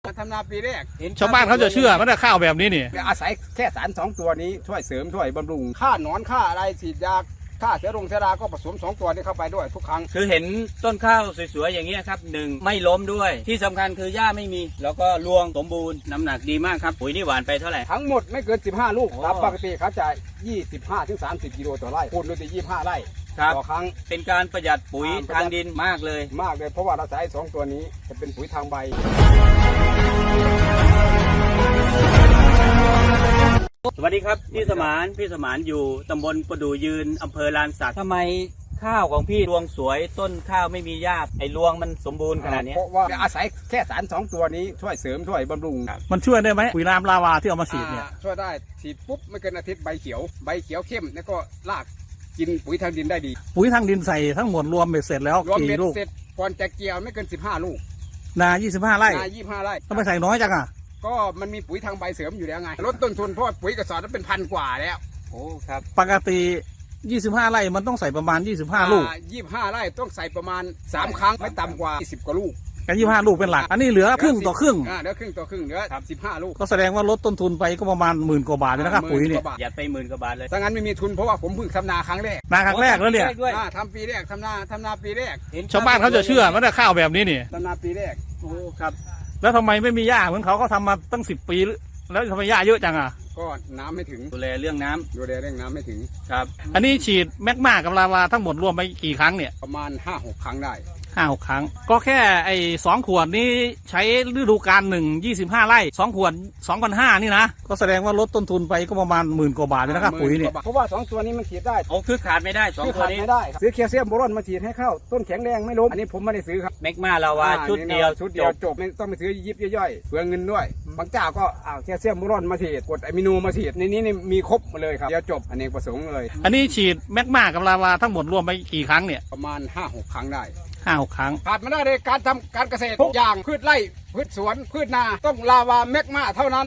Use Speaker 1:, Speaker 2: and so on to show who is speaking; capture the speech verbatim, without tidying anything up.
Speaker 1: ทำนาปีแรก
Speaker 2: ชาวบ้านเขาจะเชื่อว่าข้าวแบบนี้นี่
Speaker 1: อาศัยแค่สารสองตัวนี้ช่วยเสริมช่วยบำรุงฆ่าหนอนฆ่าอะไรฉีดยาฆ่าเชื้อรงเชื้อราก็ผสมสองตัวนี้เข้าไปด้วยทุกครั้ง
Speaker 3: คือเห็นต้นข้าวสวยๆอย่างเงี้ยครับหนึ่งไม่ล้มด้วยที่สำคัญคือหญ้าไม่มีแล้วก็รวงสมบูรณ์น้ำหนักดีมากครับปุ๋ยนี่หวานไปเท่าไหร่
Speaker 1: ทั้งหมดไม่เกินสิบห้าลูกตามปกติเขาจะยี่สิบห้าถึงสามสิบกิโลต่อไร่คูณด้วยยี่สิบห้าไร่ต่อครั้ง
Speaker 3: เป็นการประหยัดปุ๋ยทางดินมากเลย
Speaker 1: มากเลยเพราะว่าเราใช้สองตัวนี้จะเป็นปุ๋ยทางใบ
Speaker 3: สวัสดีครับพี่สมานพี่สมานอยู่ตำบลประดู่ยืนอำเภอลานสักทำไมข้าวของพี่รวงสวยต้นข้าวไม่มีหญ้าไอ้รวงมันสมบูรณ์ขนาดนี้
Speaker 1: เพราะว่าอาศัยแค่สารสองตัวนี้ช่วยเสริมช่วยบำรุง
Speaker 2: มันช่วยได้ไหมปุ๋ยน้ำลาวาที่เอามาฉีดเนี่ย
Speaker 1: ช่วยได้ฉีดปุ๊บไม่เกินอาทิตย์ใบเขียวใบเขียวเข้มแล้วก็รากกินปุ๋ยทางดินได้ดี
Speaker 2: ปุ๋ยทางดินใส่ทั้งหมดรวมเบ็ดเสร็จแล้ว
Speaker 1: รวมเบ็
Speaker 2: กี่
Speaker 1: ด
Speaker 2: ลูก
Speaker 1: เสร็จก่อนจะเกี่ยวไม่เกินสิบห้าลูก
Speaker 2: นายี่สิบห้าไร่
Speaker 1: นายี่สิบห้าไร่
Speaker 2: ต้องไปใส่น้อยจังอ่ะ
Speaker 1: ก็มันมีปุ๋ยทางใบเสริมอยู่แล้วไงลดต้นทุนเพราะปุ๋ยกระสอบนั้นเป็นพันกว่าแล้ว
Speaker 3: โอ้ครับ
Speaker 2: ปกติยี่สิบห้าไร่มันต้องใส่ประมาณยี่สิบห้าลูก
Speaker 1: ยี่สิบห้าไร่ต้องใส่ประมาณสามครั้งไม่ต่ำกว่ายี่สิบกว่าลูก
Speaker 2: กันยี่สิบห้าลูกเป็นหลักอันนี้เหลือครึ่งต่อครึ่ง
Speaker 1: อ่าเหลือครึ่งต่อครึ่งเหลือสิบห้าลูก
Speaker 2: ก็แสดงว่าลดต้นทุนไปก็ประมาณหมื่นกว่าบาทเลยนะครับปุ๋ยเนี่ย
Speaker 3: หยัดไปหมื่นกว่าบาทเลย
Speaker 1: ถ้างั้นไม่มีทุนเพราะว่าผมเพิ่งทำนาครั้งแรก
Speaker 2: นาครั้งแรกแล้วเนี่ย
Speaker 1: ทำปีแรกทำนาทำนาปีแรก
Speaker 2: ชาวบ้านเขาจะเชื่อว่าข้าวแบบนี้นี่
Speaker 1: ทำนาปีแรก
Speaker 3: โอ้ครับ
Speaker 2: แล้วทำไมไม่มีหญ้าเหมือนเขาเขาทำมาตั้งสิบปีแล้วทำไมหญ้าเยอะจังอ่ะ
Speaker 1: ก็น้ำไม่ถึง
Speaker 3: ดูแลเรื่องน้ำ
Speaker 1: ดูแลเรื่องน้ำไม่ถึง
Speaker 3: ครับ
Speaker 2: อันนี้ฉีดแมกมากับลาวาทั้งหมดรวมไปกี่ครั้งเนี่ย
Speaker 1: ประมาณห้าหกครั้งได้
Speaker 2: ห้าหกครั้งก็แค่ไอ้สองขวดนี้ใช้ฤดูกาลหนึ่งยี่สิบห้าไร่สองขวดสองพันห้านี่นะก็แสดงว่าลดต้นทุนไปก็ประมาณหมื่นกว่าบาทเลยนะครับปุ๋ยเนี่ย
Speaker 1: เพราะว่าสองตัวนี้มันฉีดได้
Speaker 3: โอ้คือขาดไม่ได้สองตัวนี้
Speaker 1: ไม่ได้ซื้อแคลเซียมโบรอนมาฉีดให้เข้าต้นแข็งแรงไม่ล้มอันนี้ผมไม่ได้ซื้อครับ
Speaker 3: แมกมาลาวาชุดเดียว
Speaker 1: ชุดเดียวจบไม่ต้องไปซื้อยิบย่อยๆเปลืองเงินด้วยบางเจ้าก็อ้าวแคลเซียมโบรอนมาฉีดกรดอะมิโนมาฉีดในนี้มีครบมาเลยครับเดียวจบอันนี้ประสงค์เลย
Speaker 2: อันนี้ฉีดแมกมากับลาวาทั้งหมดรวมไปกี่ครั้งเนี่ย
Speaker 1: ประมาณห้าหกครั้งได้
Speaker 2: ห้าหกครั้ง
Speaker 1: ขาดไม่ได้ในการทำการเกษตรทุกอย่างพืชไร่พืชสวนพืชนาต้องลาวาแมกมาเท่านั้น